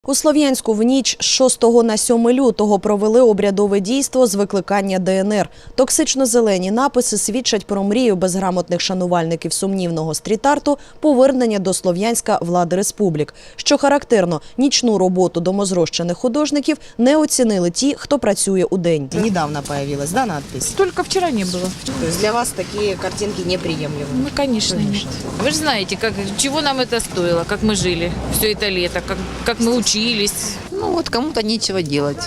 У Слов'янську в ніч з 6 на 7 лютого провели обрядове дійство з викликання ДНР. Токсично-зелені написи свідчать про мрію безграмотних шанувальників сумнівного стріт-арту повернення до Слов'янська влади республік. Що характерно, нічну роботу домозрощених художників не оцінили ті, хто працює удень. Недавно появилась, да, надпись? Только вчера не было. То есть для вас такие картинки неприемлемы? Ну, конечно, нет. Вы же знаете, чего нам это стоило, как мы жили все это лето, как мы учились. Ну вот кому-то нечего делать.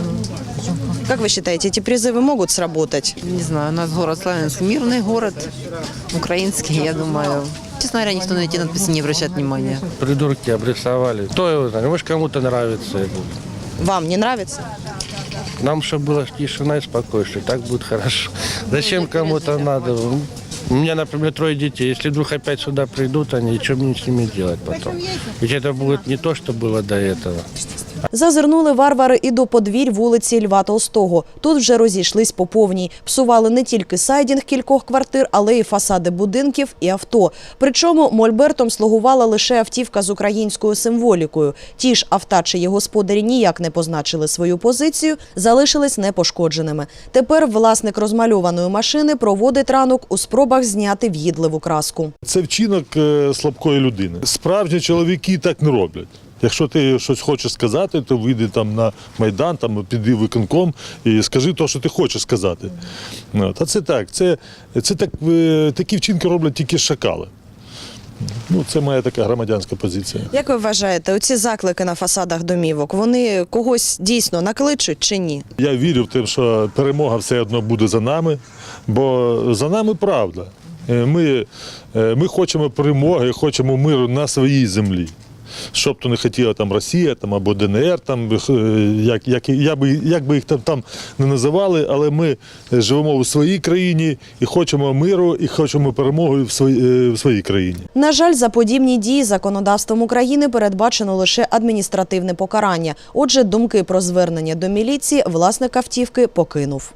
Как вы считаете, эти призывы могут сработать? Не знаю, у нас город Славянск мирный город, украинский, я думаю. Честно говоря, никто на эти надписи не обращает внимания. Придурки обрисовали. Кто его знает, может кому-то нравится. Вам не нравится? Нам, чтобы была тишина и спокойствие, так будет хорошо. Зачем кому-то надо? У меня, например, 3 детей. Если вдруг опять сюда придут, они что мне с ними делать потом? Ведь это будет не то, что было до этого. Зазирнули варвари і до подвір'я вулиці Льва Толстого. Тут вже розійшлись по повній. Псували не тільки сайдінг кількох квартир, але й фасади будинків і авто. Причому мольбертом слугувала лише автівка з українською символікою. Ті ж авто, чиї господарі ніяк не позначили свою позицію, залишились непошкодженими. Тепер власник розмальованої машини проводить ранок у спробах зняти в'їдливу краску. Це вчинок слабкої людини. Справжні чоловіки так не роблять. Якщо ти щось хочеш сказати, то вийди там на Майдан, там піди в виконком і скажи те, що ти хочеш сказати. Та це так, такі вчинки роблять тільки шакали. Ну, це моя така громадянська позиція. Як ви вважаєте, оці заклики на фасадах домівок, вони когось дійсно накличуть чи ні? Я вірю в те, що перемога все одно буде за нами, бо за нами правда. Ми хочемо перемоги, хочемо миру на своїй землі. Щоб то не хотіла там Росія там, або ДНР, там, як би їх там не називали, але ми живемо у своїй країні і хочемо миру, і хочемо перемоги в своїй країні. На жаль, за подібні дії законодавством України передбачено лише адміністративне покарання. Отже, думки про звернення до міліції власник автівки покинув.